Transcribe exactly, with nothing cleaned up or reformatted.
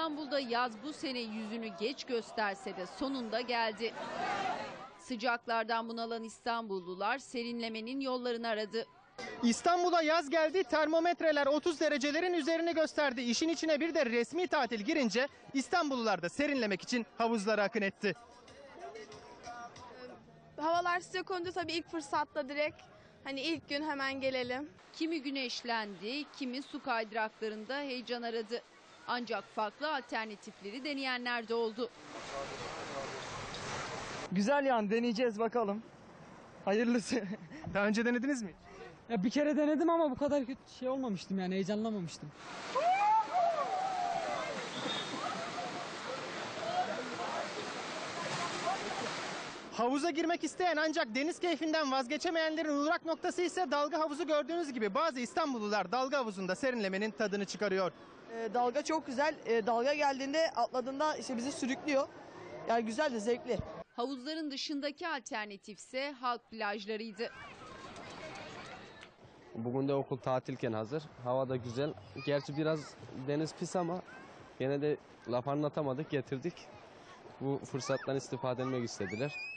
İstanbul'da yaz bu sene yüzünü geç gösterse de sonunda geldi. Sıcaklardan bunalan İstanbullular serinlemenin yollarını aradı. İstanbul'a yaz geldi, termometreler otuz derecelerin üzerini gösterdi. İşin içine bir de resmi tatil girince İstanbullular da serinlemek için havuzlara akın etti. Havalar sıcak olunca tabii ilk fırsatta direkt hani ilk gün hemen gelelim. Kimi güneşlendi, kimi su kaydıraklarında heyecan aradı. Ancak farklı alternatifleri deneyenler de oldu. Güzel yani, deneyeceğiz bakalım. Hayırlısı. Daha önce denediniz mi? Ya bir kere denedim ama bu kadar kötü şey olmamıştım, yani heyecanlamamıştım. Havuza girmek isteyen ancak deniz keyfinden vazgeçemeyenlerin uğrak noktası ise dalga havuzu. Gördüğünüz gibi bazı İstanbullular dalga havuzunda serinlemenin tadını çıkarıyor. E, dalga çok güzel. E, dalga geldiğinde atladığında işte bizi sürüklüyor. Yani güzel de zevkli. Havuzların dışındaki alternatifse halk plajlarıydı. Bugün de okul tatilken hazır. Hava da güzel. Gerçi biraz deniz pis ama yine de laf anlatamadık, getirdik. Bu fırsattan istifade etmek istediler.